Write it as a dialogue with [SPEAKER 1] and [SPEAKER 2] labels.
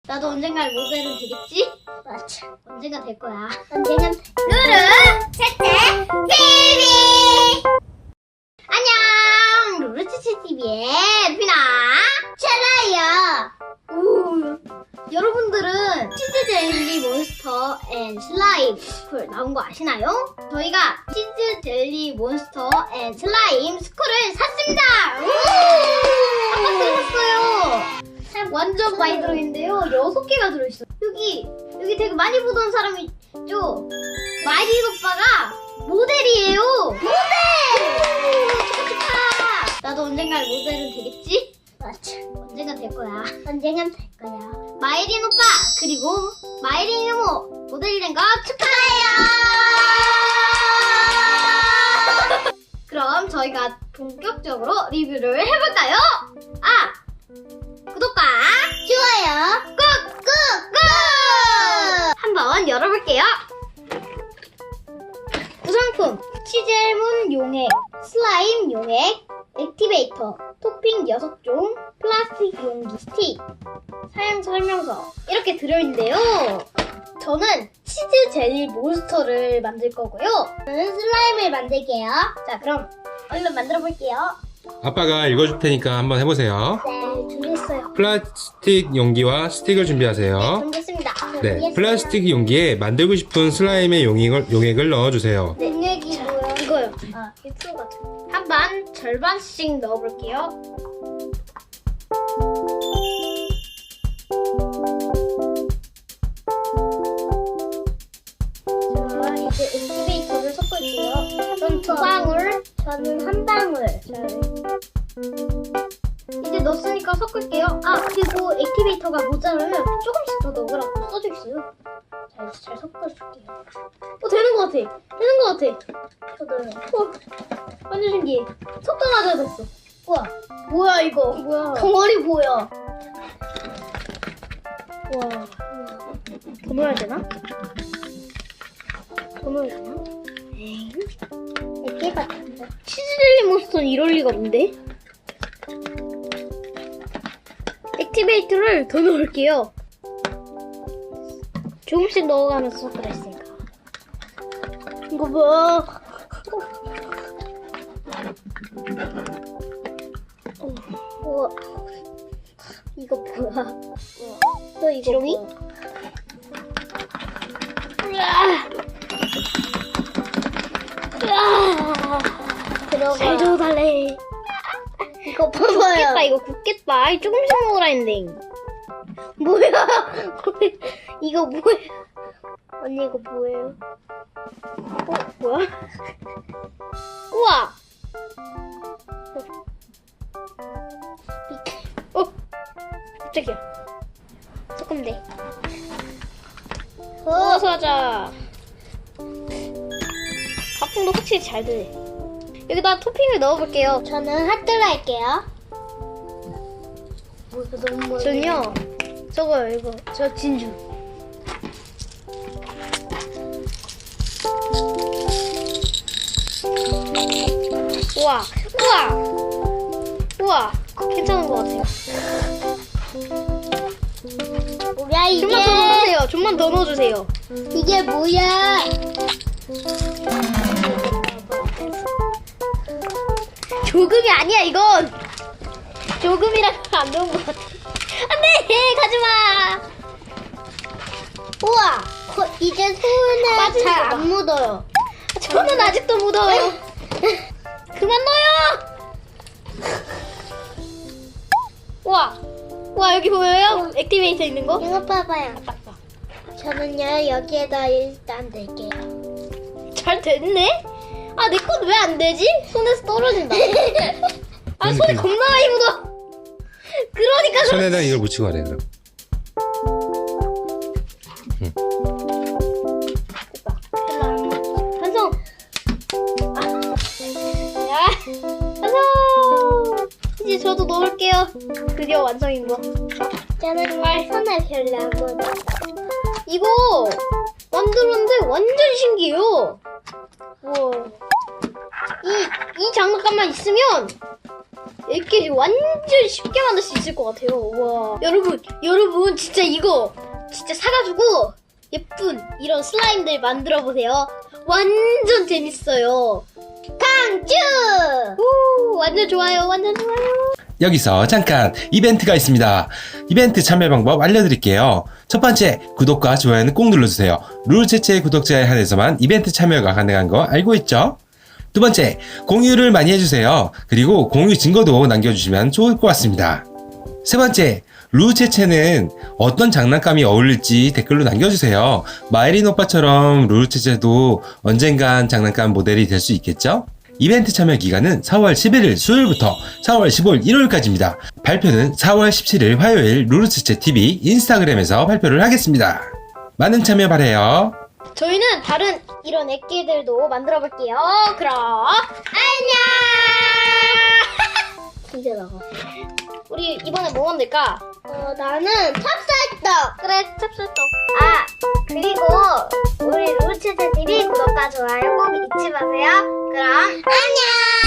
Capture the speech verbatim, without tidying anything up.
[SPEAKER 1] 나도 언젠가 모델은 되겠지?
[SPEAKER 2] 맞아.
[SPEAKER 1] 언젠가 될 거야.
[SPEAKER 2] 언젠간 돼.
[SPEAKER 1] 루루 채채 티비. 안녕, 루루 채채 티비의 피나
[SPEAKER 2] 찰라요.
[SPEAKER 1] 우. 여러분들은 치즈 젤리 몬스터 앤 슬라임 스쿨 나온 거 아시나요? 저희가 치즈 젤리 몬스터 앤 슬라임 스쿨을 샀습니다. 한 박스를 샀어요. 완전 많이 들어있는데요. 여섯 개가 들어있어요. 여기 여기 되게 많이 보던 사람이 있죠? 마이린 오빠가 모델이에요. 모델! 축하! 나도 언젠가 모델은 되겠지?
[SPEAKER 2] 맞아.
[SPEAKER 1] 언젠가 될 거야.
[SPEAKER 2] 언젠간 될 거야.
[SPEAKER 1] 마이린 오빠 그리고 마이린 이모 모델이 된 거 축하해요. 그럼 저희가 본격적으로 리뷰를 해볼까요? 아! 구독과
[SPEAKER 2] 좋아요.
[SPEAKER 1] 꾹꾹꾹! 한번 열어볼게요. 구성품 치젤문 용액, 슬라임 용액, 액티베이터, 토핑 여섯 종, 플라스틱 용기 스틱, 사용 설명서 이렇게 들어있는데요. 저는 치즈 젤리 몬스터를 만들 거고요.
[SPEAKER 2] 저는 슬라임을 만들게요.
[SPEAKER 1] 자, 그럼 얼른 만들어 볼게요.
[SPEAKER 3] 아빠가 읽어줄 테니까 한번 해보세요.
[SPEAKER 2] 네, 준비했어요.
[SPEAKER 3] 플라스틱 용기와 스틱을 준비하세요.
[SPEAKER 1] 준비했습니다.
[SPEAKER 3] 네, 플라스틱 용기에 만들고 싶은 슬라임의 용액을, 용액을 넣어주세요.
[SPEAKER 2] 용액이 뭐야?
[SPEAKER 1] 이거요.
[SPEAKER 2] 아, 유튜브 같은 거.
[SPEAKER 1] 한 반 절반씩 넣어볼게요.
[SPEAKER 2] 자, 이제 액티베이터를 섞을게요.
[SPEAKER 1] 전 두 방울.
[SPEAKER 2] 저는 한 방울.
[SPEAKER 1] 이제 넣었으니까 섞을게요. 아, 그리고 액티베이터가 모자라면 조금씩 더 넣으라고 써져 있어요. 자, 이제 잘 섞어줄게요. 어, 되는 것 같아. 되는 것 같아.
[SPEAKER 2] 저도요.
[SPEAKER 1] 어, 완전 신기해. 섞자마자 됐어. 우와, 뭐야 이거?
[SPEAKER 2] 뭐야?
[SPEAKER 1] 덩어리 보여.
[SPEAKER 2] 우와.
[SPEAKER 1] 더 넣어야 되나? 더 넣어야 되나? 에잉?
[SPEAKER 2] 액티 같은데.
[SPEAKER 1] 치즈젤리 몬스터는 이럴 리가 없는데? 액티베이터를 더 넣을게요. 조금씩 넣어가면서 섞으라 했으니까. 이거 봐. 어, 우와. 이거 뭐야?
[SPEAKER 2] 또 이거
[SPEAKER 1] 지렁이?
[SPEAKER 2] 뭐야?
[SPEAKER 1] 으아! 으아!
[SPEAKER 2] 들어가.
[SPEAKER 1] 잘 줘달래.
[SPEAKER 2] 이거
[SPEAKER 1] 굳겠다,
[SPEAKER 2] 봐봐요.
[SPEAKER 1] 이거 굳겠다. 아이, 조금씩 먹으라 했는데. 뭐야? 이거 뭐야?
[SPEAKER 2] 언니 이거 뭐예요?
[SPEAKER 1] 어, 뭐야? 우와! 어? 깜짝이야. 섞으면 돼. 어서 하자. 가풍도 확실히 잘 되네. 여기다 토핑을 넣어볼게요.
[SPEAKER 2] 저는 핫도그 할게요. 뭐 이거 너무 멀리.
[SPEAKER 1] 전요. 저거요, 이거. 저 진주. 우와, 우와, 우와, 괜찮은 것 같아요.
[SPEAKER 2] 뭐야 이게?
[SPEAKER 1] 좀만 더 넣어주세요. 좀만 더 넣어주세요.
[SPEAKER 2] 이게 뭐야?
[SPEAKER 1] 조금이 아니야, 이건. 조금이라 안 좋은 것 같아. 안돼, 가지마.
[SPEAKER 2] 우와. 거- 이제 손에
[SPEAKER 1] 빠지는 거
[SPEAKER 2] 잘
[SPEAKER 1] 봐.
[SPEAKER 2] 안 묻어요.
[SPEAKER 1] 저는 아직도 묻어요. 그만 넣어요. 우와, 우와 여기 보여요? 액티베이터 있는 거?
[SPEAKER 2] 이거 봐봐요.
[SPEAKER 1] 맞다.
[SPEAKER 2] 저는요 여기에다 일단 낼게요.
[SPEAKER 1] 잘 됐네? 아, 내 건 왜 안 되지? 손에서 떨어진다. 아, 손에
[SPEAKER 3] 그러니까.
[SPEAKER 1] 겁나 많이 묻어. 그러니까 그렇지.
[SPEAKER 3] 손에다 이걸 묻히고 하래, 그럼.
[SPEAKER 1] 됐다. 완성. 아. 야, 완성. 이제 저도 넣을게요. 드디어 완성인 거.
[SPEAKER 2] 저는
[SPEAKER 1] 정말.
[SPEAKER 2] 손에 별로 안 묻어.
[SPEAKER 1] 이거 만들었는데 완전 신기해요. 우와. 이, 이 장난감만 있으면 애끼리 완전 쉽게 만들 수 있을 것 같아요. 와. 여러분, 여러분, 진짜 이거 진짜 사가지고 예쁜 이런 슬라임들 만들어 보세요. 완전 재밌어요. 강추! 오, 완전 좋아요. 완전 좋아요.
[SPEAKER 4] 여기서 잠깐 이벤트가 있습니다. 이벤트 참여 방법 알려드릴게요. 첫 번째, 구독과 좋아요는 꼭 눌러주세요. 룰체체 구독자에 한해서만 이벤트 참여가 가능한 거 알고 있죠? 두 번째, 공유를 많이 해주세요. 그리고 공유 증거도 남겨주시면 좋을 것 같습니다. 세 번째, 룰체체는 어떤 장난감이 어울릴지 댓글로 남겨주세요. 마이린 오빠처럼 룰체체도 언젠간 장난감 모델이 될 수 있겠죠? 이벤트 참여 기간은 사월 십일일 수요일부터 사월 십오일 일요일까지입니다. 발표는 사월 십칠일 화요일 룰체체 티비 인스타그램에서 발표를 하겠습니다. 많은 참여 바라요.
[SPEAKER 1] 저희는 다른 이런 애기들도 만들어 볼게요. 그럼 안녕. 진짜 나가. 우리 이번에 뭐 만들까?
[SPEAKER 2] 어, 나는 찹쌀떡.
[SPEAKER 1] 그래, 찹쌀떡.
[SPEAKER 2] 아, 그리고 우리 룰체체 티비 구독과 좋아요 꼭 잊지 마세요. 그럼 안녕.